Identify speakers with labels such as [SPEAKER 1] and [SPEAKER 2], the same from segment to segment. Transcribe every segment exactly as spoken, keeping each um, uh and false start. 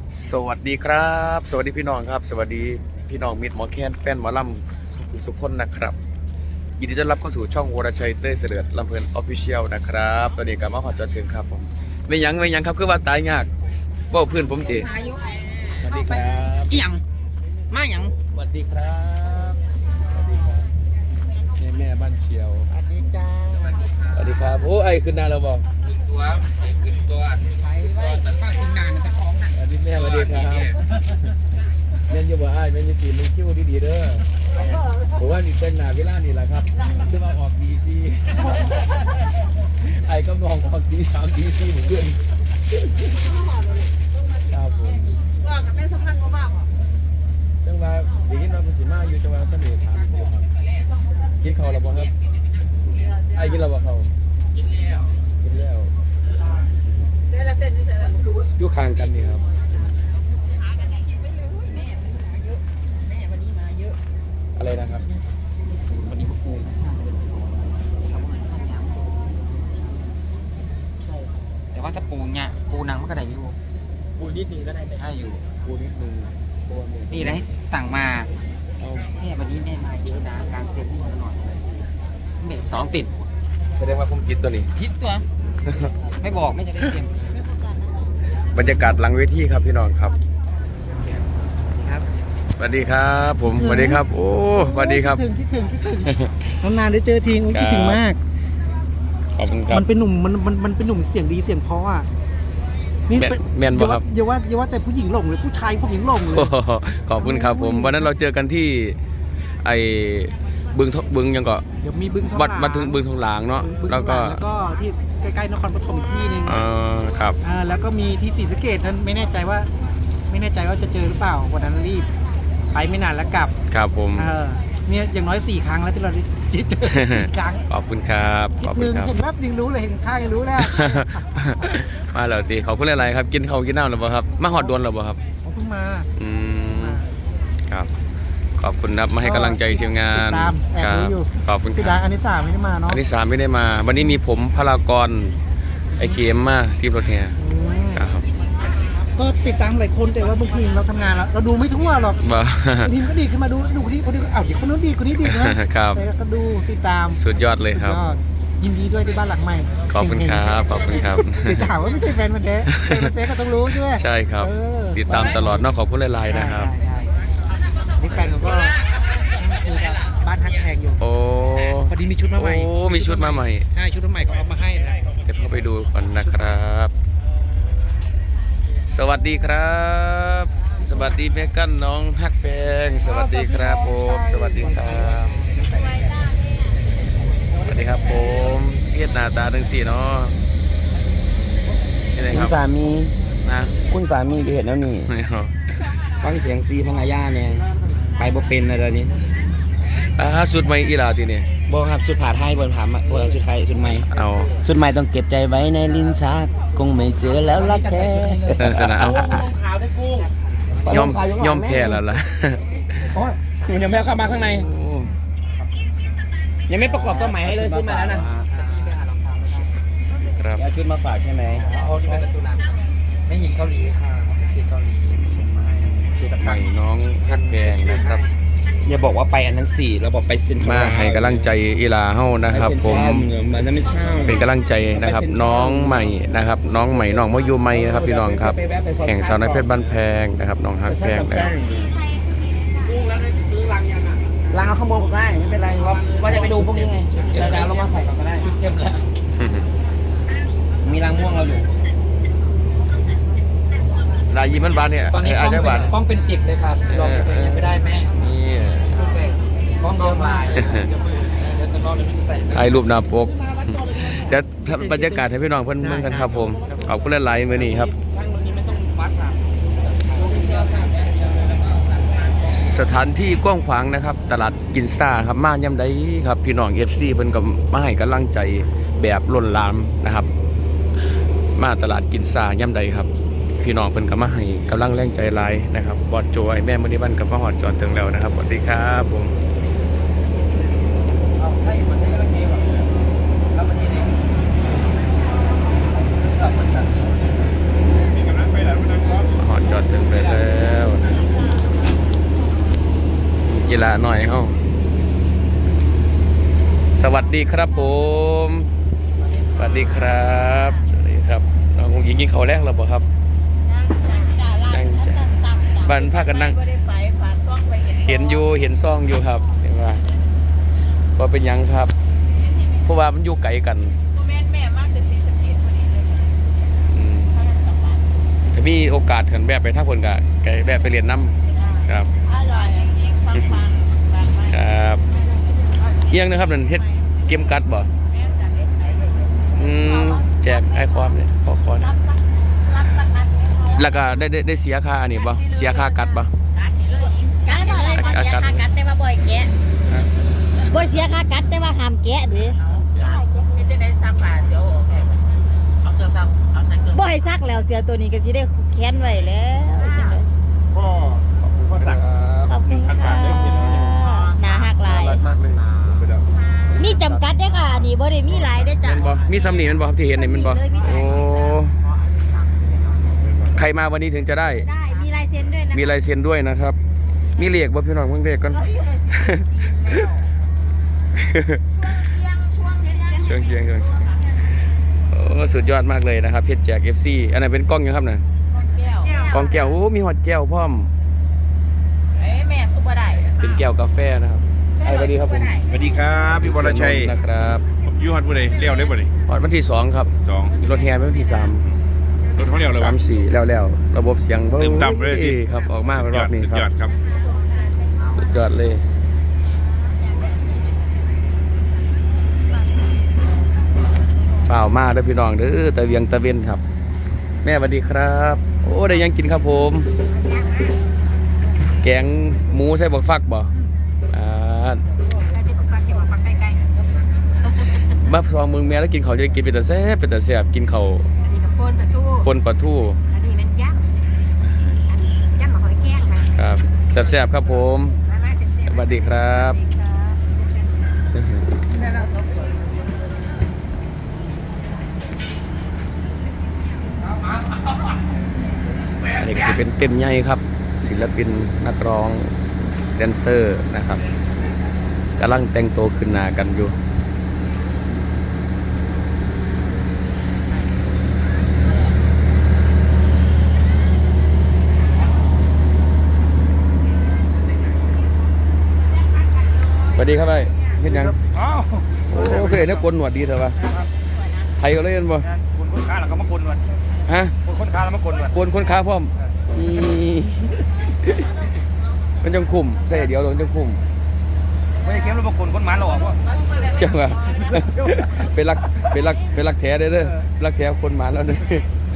[SPEAKER 1] สวัสดีครับสวัสดีพี่น้องครับสวัสดีพี่น้องมิตรหมอแคนแฟนหมอลำสุขุสุขคนนะครับยินดีต้อนรับเข้าสู่ช่องวรชัยเต้ยเสด็จลำเพลินออฟฟิเชียลนะครับตอนนี้กลับมาขอจอดถึงครับผมไม่ยังไม่ยังครับคือว่าตายยากบ่เพื่อนผมเจสวัสดีครับ
[SPEAKER 2] อีหยังมาหยัง
[SPEAKER 1] สวัสดีครับสวัสดีครับแม่แม่บ้านเชียว
[SPEAKER 2] สวัสดีจ้าสวัสดีครั
[SPEAKER 1] สวัสดีครับโอ้ไอขึ้นหน้าเราบอก
[SPEAKER 2] ตัวขึ้นตัวไปไว้ข้างถึงนานจะของน่ะ
[SPEAKER 1] สวัสดีแม่สวัสดีครับแม่นอยู่บ่อ้ายแม่นอยู่ตีมึงคิ้วดีๆเด้อผมว่านี่เป็นหน้าเวลานี่แหละครับคือว่าออกดีซีไอ้ก็มองออกดีสามดีซีเหมือนเดิมครับผม
[SPEAKER 3] ว่ากับแม่สำคัญกว่าบ้าเหรอ
[SPEAKER 1] จังหวะเดี๋ยวนี้เราเป็นสีมาอยู่จังหวะท่านเอกถามอยู่ครับกินข้าวแล้วบ่ครับไอ้กินแล้วบ่เขา
[SPEAKER 2] กินแล้ว
[SPEAKER 1] กินแล้ว
[SPEAKER 3] ได้ละเต้นนี่แต่ละดู
[SPEAKER 1] อยู่ข้างกันนี่ครับ
[SPEAKER 2] แม่แม่วันนี้มาเยอะ
[SPEAKER 1] อะไรนะครับ
[SPEAKER 2] วันนี้พวกกูแต่ว่าถ้าปูเนี่ยปูนางมันก็ได้อยู่
[SPEAKER 1] ปูนิดนึงก็ได้ไหม
[SPEAKER 2] ได้อยู่
[SPEAKER 1] ปูนิดนึงปูหนึ่ง
[SPEAKER 2] นี่แหละให้สั่งมา
[SPEAKER 1] เอา
[SPEAKER 2] แม่วันนี้แม่มาเยอะนะกลางเต็นท์มาหน่อยแม่สองติด
[SPEAKER 1] แสดงว่าผมกินตัวนี้
[SPEAKER 2] ทิศตัว ไม่บอกไม่จะได้เตรียม
[SPEAKER 1] บรรยากาศหลังเวทีครับพี่น้องครับ
[SPEAKER 2] ครับ
[SPEAKER 1] สวัสดีครับผมสวัสดีครับ โอ้สวัสดีครับ
[SPEAKER 3] คิดถึงคิดถึงคิดถึงนานๆได้เจอทีคิดถึงมาก
[SPEAKER 1] ขอบคุณครับ
[SPEAKER 3] มันเป็นหนุ่มมันมันมันเป็นหนุ่มเสียงดีเสียงเพราะอ่ะนี่
[SPEAKER 1] แม่น
[SPEAKER 3] เป็น
[SPEAKER 1] แม่นบ่ครับ
[SPEAKER 3] อย่าว่าอย่าว่าแต่ผู้หญิงหลงเลยผู้ชายผมยังหลงเลย
[SPEAKER 1] โอ้โหขอบคุณครับผมวันนั้นเราเจอกันที่ไอ้บึงทบึงยังก็
[SPEAKER 3] เดี๋ยวมีบึงทองห
[SPEAKER 1] วัด
[SPEAKER 3] ลาง
[SPEAKER 1] วัดถึงบึงทองหลางเนาะ
[SPEAKER 3] บึงท
[SPEAKER 1] แล้
[SPEAKER 3] อ
[SPEAKER 1] ว
[SPEAKER 3] งห
[SPEAKER 1] ก็
[SPEAKER 3] ลางแล้วก็ที่ใกล้ๆนครปฐมอีกที่หนึง
[SPEAKER 1] เออครับ
[SPEAKER 3] อ่าแล้วก็มีที่ศรีสะเกษนั้นไม่แน่ใจว่า ไม่แน่ใจว่าจะเจอหรือเปล่าวันนั้นรีบ ไปไม่นานแล้วกลับ
[SPEAKER 1] ครับผม
[SPEAKER 3] เออเนี่ยอย่างน้อยสี่ครั้งแล้วที่เราได้เจอสี่ครั้ง
[SPEAKER 1] ขอบคุณครับขอบคุ
[SPEAKER 3] ถึ
[SPEAKER 1] ณ
[SPEAKER 3] ง
[SPEAKER 1] ครับ
[SPEAKER 3] เห็นแวบยิงรู้เลยเห็นข้างยังรู้แล้ว
[SPEAKER 1] มาแล้วตีขอบคุณอะไรครับ กินข้าวกินน้ำหรือเปล่าครับมาหอดดวนหรือเปล่าครับ
[SPEAKER 3] ผมเพิ่งมา
[SPEAKER 1] อืมครับ ขอบคุณครับมาให้กำลังใจทีมงาน
[SPEAKER 3] ติดตามแอบ
[SPEAKER 1] ครั
[SPEAKER 3] ดู
[SPEAKER 1] บ
[SPEAKER 3] อยู่
[SPEAKER 1] ขอบคุณ
[SPEAKER 3] สิ
[SPEAKER 1] ค
[SPEAKER 3] ดา
[SPEAKER 1] รับ
[SPEAKER 3] อันนี้สามไม่ได้มาเนาะ
[SPEAKER 1] อันที่สามไม่ได้มา วันนี้มีผมพลากรไอเข็มมาที่รถแห่
[SPEAKER 3] อืม
[SPEAKER 1] ครับ
[SPEAKER 3] ก็ติดตามหลายคนแต่ว่าบางทีเราทำงานแล้วเราดูไม่ทั่วหรอก
[SPEAKER 1] บ้า
[SPEAKER 3] บางทีมนก็ดีขึ้นมาดูดูคนนี้คนนี้ก็อ้าวเดี๋ยวคนนู้นดีคนนี้ดีนะครับ แต่ก็ดูติดตาม
[SPEAKER 1] สุดยอดเลยครับ
[SPEAKER 3] สุดยอดยินดีด้วยที่บ้านหลังใหม่
[SPEAKER 1] ขอบคุณครับขอบคุณครับ
[SPEAKER 3] เดี๋ยวจะหาว่าไม่ใช่แฟนมันแท้แฟนมันแท้ก็ต้องรู้ใช่ไหม
[SPEAKER 1] ใช่ครับ
[SPEAKER 3] เออ
[SPEAKER 1] ติดตามตลอดเนอกขอบคุณหลายๆนะครับ
[SPEAKER 3] ได้ได้ได้นี่แฟนเขาก็มีกับบ้านฮักแพงอยู่
[SPEAKER 1] โอ้
[SPEAKER 3] พอดีมีชุดมาใหม่
[SPEAKER 1] โอ้มีชุดมาใหม่
[SPEAKER 3] ใช่ชุดมาใหม่เขาเอามาให้นะ
[SPEAKER 1] เดี๋ยวเข้าไปดูก่อนนะครับ สวัสดีครับ สวัสดีแม่กั้นน้องฮักแพงสวัสดีครับผมสวัสดีครับสวัสดีครับผมเพียรหน้าตาทั้งสี่เนาะนี่เลย
[SPEAKER 4] คุ
[SPEAKER 1] ครั
[SPEAKER 4] ณ
[SPEAKER 1] บ
[SPEAKER 4] สามี
[SPEAKER 1] นะ
[SPEAKER 4] คุณสามีจะเห็นแล้วนี่
[SPEAKER 1] ไม่เอา
[SPEAKER 4] ฟังเสียงซีพังอาญาเนี่ย ไปบ่เป็นอะไรนี้
[SPEAKER 1] อ่าสุดไหมอีหลาทีนี่
[SPEAKER 4] บ่ครับสุดผาไทยบนผามาบนสุดไทยสุดใหม่
[SPEAKER 1] เอา
[SPEAKER 4] สุดใหม่ต้องเก็บใจไว้ในลิ้นชักคงไม่เจอแล้วรักแท้
[SPEAKER 1] เออสนะเอา
[SPEAKER 4] ขาวได้กุ้ง
[SPEAKER 1] ย่อมย่อมแพ้แล้วล่ะ
[SPEAKER 4] โอ้ยคุณยังไม่เข้ามาข้างใน ยังไม่ประกอบตัวใหม่ให้เลยซื้อมาแล้วนะครับ เอาชุดมาฝากใช่ไหม
[SPEAKER 2] เอาที่เป็นประตูน้ำไม่หญิงเกาหลีค่ะซีเกาหลีส่งมาให้ชื่อสัก
[SPEAKER 1] ให
[SPEAKER 2] พั
[SPEAKER 1] ม่
[SPEAKER 2] ก
[SPEAKER 1] น้องฮักแพงนะครับ
[SPEAKER 4] อย่าบอกว่าไปอันนั้นสี่เราบอกไปเซ็นทรัล
[SPEAKER 1] มาให้กำลังใจอีหลาเฮานะครับ ผม
[SPEAKER 4] มันจะไม่ใช่
[SPEAKER 1] เป็นกำลังใจนะครับ น้องใหม่นะครับ น้องใหม่น้องมาอยู่ใหม่นะครับพี่น้องครับแข่งสาวน้อยเพชรบ้านแพงนะครับน้องฮักแพงนะครับ
[SPEAKER 4] ล้างเอาข้างบนก็ได้ไม่เป็นไรเพราะว่าจะไปดูพวกนี้ไงเดี๋ยวเรามาใส่ก่อนก็ได้
[SPEAKER 2] ชุดเข้มแล้ว
[SPEAKER 4] มีรังม่วงเราอยู่
[SPEAKER 1] ลายยิ้มมันบานเนี่ย
[SPEAKER 2] ตอนนี้
[SPEAKER 1] เออก
[SPEAKER 2] ล้
[SPEAKER 1] อา
[SPEAKER 2] อง
[SPEAKER 1] จจะบาน
[SPEAKER 2] กล้องเป็นสิบเลยครับลองตัวเองไม่ได้แม่
[SPEAKER 1] นี่
[SPEAKER 2] กล้องเยอะมากเดี๋ยวจะลองเดี๋ยวจะใส่
[SPEAKER 1] ถ่ายรูปหน้าปกเดี๋ยวทำบรรยากาศให้พี่น้องเพื่อนเมืองกันครับผมขอบคุณหลายๆมื้อนี้ครับ
[SPEAKER 2] ช่างวันนี้ไม่ต้องวัดครับ
[SPEAKER 1] สถานที่กว้างขวางนะครับ ตลาดกินซ่าครับมาย่ำใดครับพี่น้อง เอฟ ซี เพิ่นก็มาให้กำลังใจแบบล้นหลามนะครับ มาตลาดกินซ่าย่ำใดครับ พี่น้องเพิ่นก็มาให้กำลังแรงใจหลายนะครับบอดโจไอ้แม่มื้อนี้บ้านกับมาฮอดจอดถึงแล้วนะครับสวัสดีครับผม
[SPEAKER 2] เอาให้เหมือนให้กำลังใจแบบแล้วมันที่ไหน
[SPEAKER 1] มาฮอดจอดถึงยีลาหน่อยเฮาสวัสดีครับผมสวัสดีครับสวัสดีครับน้องหญิงกินข้าวแรกแล้วบ่ครับนั่งจ้ะบ้านพากันนั่งเห็นอยู่เห็นซ่องอยู่ครับเห็นว่าว่าเป็นหยังครับเพราะว่ามันอยู่ไกลกันแม่แม่มากแต่ศรีสะเกษพอดีเลยถ้ามีโอกาสกันแบบไปท่าคนกะไกแบบไปเรียนน้ำครับครับเอียงนะครับนั่นเฮ็ดเกมกัดบ่อืมแจกไอความเนี่ยขอขอนะแล้วก็ได้ได้ได้เสียค่าอันนี้บ่เสียค่ากัดบ่
[SPEAKER 5] กัดบ่เลยบ่เสียค่ากัดแต่ว่าบ่อยแกะบ่เสียค่ากัดแต่ว่าห้ามแกะเด้อมีแต่ได้ซักผ้าเสียวออกเอาเครื่องซักเอาใส่เครื่องบ่ให้ซักแล้วเสียตัวนี้ก็สิได้แขวนไว้แล้วจังได๋
[SPEAKER 3] พ่อขอบคุณพ่อสั่ง
[SPEAKER 5] ขอบคุณค่ะน่าฮักหลายมีจำกัดเด้อค่ะนี่บ่ได้มีหลายเด้อจ้ะ
[SPEAKER 1] มันบ่มีซ้ำนี่มันบ่ครับที่เห็นนี่มันบ่โอ้ใครมาวันนี้ถึงจะได้
[SPEAKER 5] ได้มีลายเซ็นด้วยนะ
[SPEAKER 1] มีลายเซ็นด้วยนะครับมีเลขบ่พี่น้องเพิ่งเลขก่อนช่วงเชียงช่วงเชียงโอ้สุดยอดมากเลยนะครับเพชรแจก เอฟ ซี อันนั้นเป็นกล้องยังครับน่ะกล้องแก้วโอ้มีหอดแก้วพร้อม
[SPEAKER 5] เอ้แม่คือบ่ได้
[SPEAKER 1] เป็นแก้วกาแฟนะครับสวัสดีครับผม
[SPEAKER 6] สวัสดีครับพี่วรชัย
[SPEAKER 1] นะครับ
[SPEAKER 6] ยูฮันบุรีเลี้ยวได้บ่นี่
[SPEAKER 1] วันที่สองครับ
[SPEAKER 6] สอง
[SPEAKER 1] รถแห่เป็นวันที่สาม
[SPEAKER 6] รถเขาเลี้ยวเลย
[SPEAKER 1] สามสี่แล้วแล้วระบบเสียง
[SPEAKER 6] เต็มต่ำเลย
[SPEAKER 1] ครับออกมารอบนี้ครับ
[SPEAKER 6] สุดยอดครับ
[SPEAKER 1] สุดยอดเลยเปล่ามาด้วยพี่น้องเด้อตะเวียงตะเวนครับแม่สวัสดีครับโอ้ได้ยังกินครับผมแกงหมูใส่บักฟักบ่อ่าบ้าซองมึงแม่แล้วกินเขาจะกินเป็นแต่แซ่บเป็นแต่แซ่บกินเขาปนปลาทูปนปลาทูอันนี้มันย่ำย่ำมาหอยแครงครับแซ่บๆครับผมสวัสดีครับอันนี้ก็จะเป็นเต็มใหญ่ครับศิลปินนักร้องแดนเซอร์นะครับกำลังแต่งตัวขึ้นหน้ากันอยู่สวัสดีครับไอ้เห็นยังโอ้โอเคเนี่ยกลนหนวดดีเถอะวะไทยก็เล่นบ่
[SPEAKER 2] คนคนค้าแล้วก็มากลนวัน
[SPEAKER 1] ฮะ
[SPEAKER 2] คนคนค้าแล้วมากลนวัน
[SPEAKER 1] กลคนค้าพร้อมมันจังคุมใส่เดียวโดนจังคุม
[SPEAKER 2] ไม่ได้เข้มแล้วมากลคนหมันหรอกว่า
[SPEAKER 1] จังวะเป็นรักเป็นรักเป็นรักแท้เด้อรักแท้คนหมันแล้วเนี่ย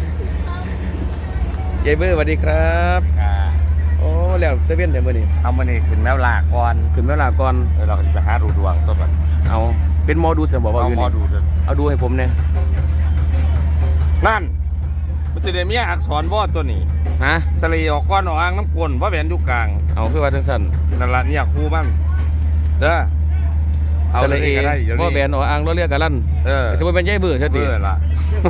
[SPEAKER 1] ยายเบอร์สวัสดีครับโอ้แล้วเตเว่นเดี๋ยวมื่อนี้
[SPEAKER 2] เอามานี่ขึ้นแมวลาก่อน
[SPEAKER 1] ขึ้นแมวลาก่อน
[SPEAKER 2] เราจะไปหาดูดวงตัวแบบ
[SPEAKER 1] เอาเป็นหมอดูเสมอบอก
[SPEAKER 2] เอาหมอดู
[SPEAKER 1] เอาดูให้ผมเนี่ย
[SPEAKER 6] นั่นมันจะเรียนมีอักษรวอดตัวนี้
[SPEAKER 1] ฮะ
[SPEAKER 6] สลีออกก้อนออกอ่างน้ำกลนว่าแหวนอยู่กลาง
[SPEAKER 1] เอาคือว่าจังสั่น
[SPEAKER 6] นั่นละเนี่ยครูมันเด้อ
[SPEAKER 1] เอาเลยก็ได้ว่าแหวนออกอ่างเราเรียกกันลั่น
[SPEAKER 6] เออ
[SPEAKER 1] สมมติเป็นยัยเบื่อใช่ไหม
[SPEAKER 6] เบื่อละ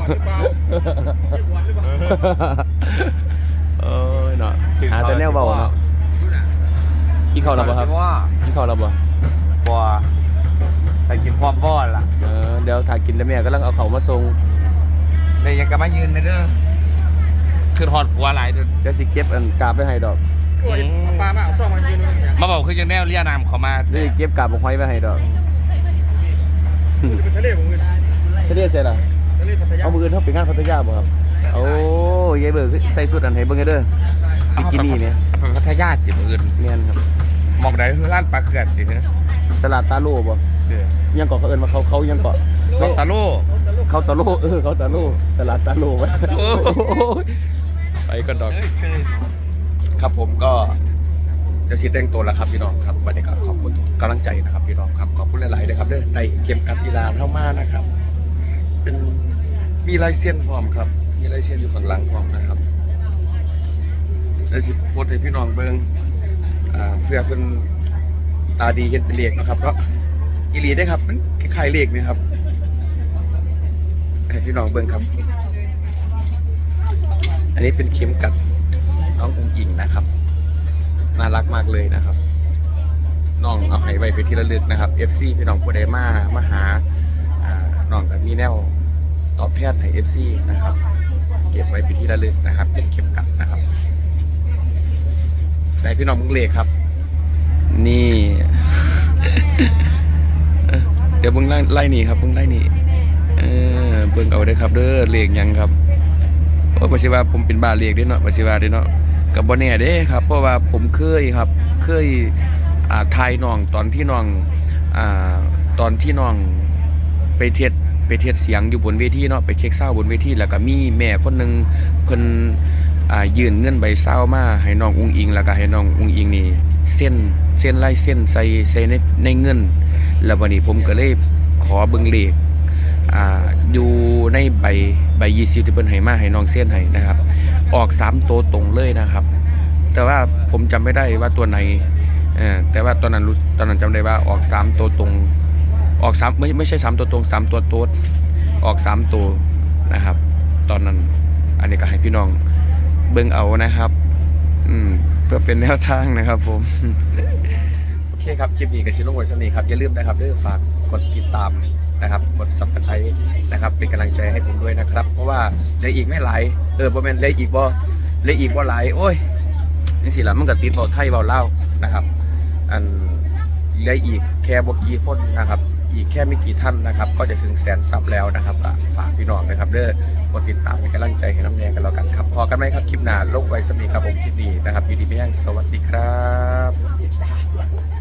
[SPEAKER 1] เออเนาะหาแต่แนวเบาเนาะกินข้าวเราบ่ครับกินข้าวเราบ่
[SPEAKER 6] บ่ไปกินพร้อมบ่ล่ะ
[SPEAKER 1] เออเดี๋ยวถ่ายกินแล้วแม่กำลังเอาเขามาส่ง
[SPEAKER 6] เดี๋ยวยังกลับมายืนเด้อขึ้นฮอดหัวหลายเด้อ
[SPEAKER 1] เดี๋ยวสิเก็บอันกาบไว้ให้ดอก
[SPEAKER 2] ปลามาเอาซ่อมมายืน
[SPEAKER 6] มาบอกคือยังแนวเลี้ยน้ำเขามา
[SPEAKER 1] เดี๋ยวเก็บกาบของหอยไว้ให้ดอก
[SPEAKER 2] ทะเลผมเลย
[SPEAKER 1] ทะเลเสร็จละเอามืออื่นเขาไปงานพัทยาบ่ครับโอ้ยายเบิร์กใส่สุดอันไหนเบิ้งเด้อบิกินี่เนี่ย
[SPEAKER 6] พัทยาจิตอื่น
[SPEAKER 1] เนียนครับ
[SPEAKER 6] มองไหนร้านปลาเกลือจิเนี่ย
[SPEAKER 1] ตลาดตาโล่บ่ยังเกาะเขาเอิญมาเขาเขายังเกาะ
[SPEAKER 6] ตาโล่
[SPEAKER 1] เขาตาโล่เออเขาตาโล่ตลาดตาโล่ไว้ไปกันดอกครับผมก็จะสิแต่งตัวแล้วครับพี่น้องครับวันนี้ก็ขอบคุณกำลังใจนะครับพี่น้องครับขอบคุณหลายๆเลยครับเด้อในเข็มกัดกีฬาเข้ามานะครับเป็นมีลายเส้นพร้อมครับมีลายเส้นอยู่ข้างหลังพร้อมนะครับแล้วสิโพสให้พี่น้องเบิ่งอ่าเพื่อเป็นตาดีเห็นเป็นเลขนะครับเพราะอีหลีได้ครับมันคล้ายๆเลขนี่ครับให้พี่น้องเบิ่งครับอันนี้เป็นเข็มกัดน้ององค์หญิงนะครับน่ารักมากเลยนะครับน้องเอาให้ไว้ไปที่ระลึกนะครับ เอฟ ซี พี่น้องผู้ใดมามาหาอ่าน้องกับมีแนวตอบแทนให้ เอฟ ซี นะครับเก็บไว้เป็นที่ระลึกนะครับเป็นเข็มกัดนะครับแต่พี่น้องมุงเลขครับนี่ เดี๋ยวเบิ่งไล่ไล่นี่ครับเบิ่งไล่นี่เออเบิ่งเอาได้ครับเด้อเลขยังครับโอ้ปัจจุบันผมเป็นบาเลขได้เนาะปัจจุบันได้เนาะกับบ่แน่เด้ครับเพราะว่าผมเคยครับเคยอ่าทายน้องตอนที่น้องอ่าตอนที่น้องไปเทศไปเทศเสียงอยู่บนเวทีเนาะไปเช็คเซาบนเวทีแล้วก็มีแม่คนหนึงเพิ่นอ่ายื่นเงินใบเซามาให้น้องอุ้งอิงแล้วก็ให้น้องอุ้งอิงนี่เส้นเส้นลายเส้นใส่ใส่ในในเงินแล้ววันนี้ผมก็เลยขอเบิ่งเลขอ่าอยู่ในใบใบยี่สิบที่เพิ่นให้มาให้น้องเส้นให้นะครับออกสามตัวตรงเลยนะครับแต่ว่าผมจำไม่ได้ว่าตัวไหนเออแต่ว่าตอนนั้นรู้ตอนนั้นจำได้ว่าออกสามตัวตรงออกสามไม่ไม่ใช่สามตัวตรงสามตัวโต๊ดออกสามตัวนะครับตอนนั้นอันนี้ก็ให้พี่น้องเบิ่งเอานะครับอืมเพื่อเป็นแนวทางนะครับผม โอเคครับคลิปนี้ก็ชิลงไว้สนิทครับอย่าลืมนะครับเรื่องฝากกดติดตามนะครับกด ซับสไครบ์ นะครับเป็นกำลังใจให้ผมด้วยนะครับเพราะว่าเหลืออีกไม่หลายเออบ่แม่นเหลืออีกบ่เหลืออีกบ่หลายโอ้ยนี่สิล่ะมันก็ติดเว้าไทยเว้าลาวนะครับอันเหลืออีกแค่บ่กี่คนนะครับอีกแค่ไม่กี่ท่านนะครับก็จะถึงแสนซับแล้วนะครับฝากพี่น้องนะครับเด้อกดติดตามเป็นกำลังใจให้น้ำแดงกันแล้วกันครับพอกันไหมครับคลิปหน้าลงไว้สนิทครับผมคลิปนี้นะครับอยู่ดีไม่แห้งสวัสดีครับ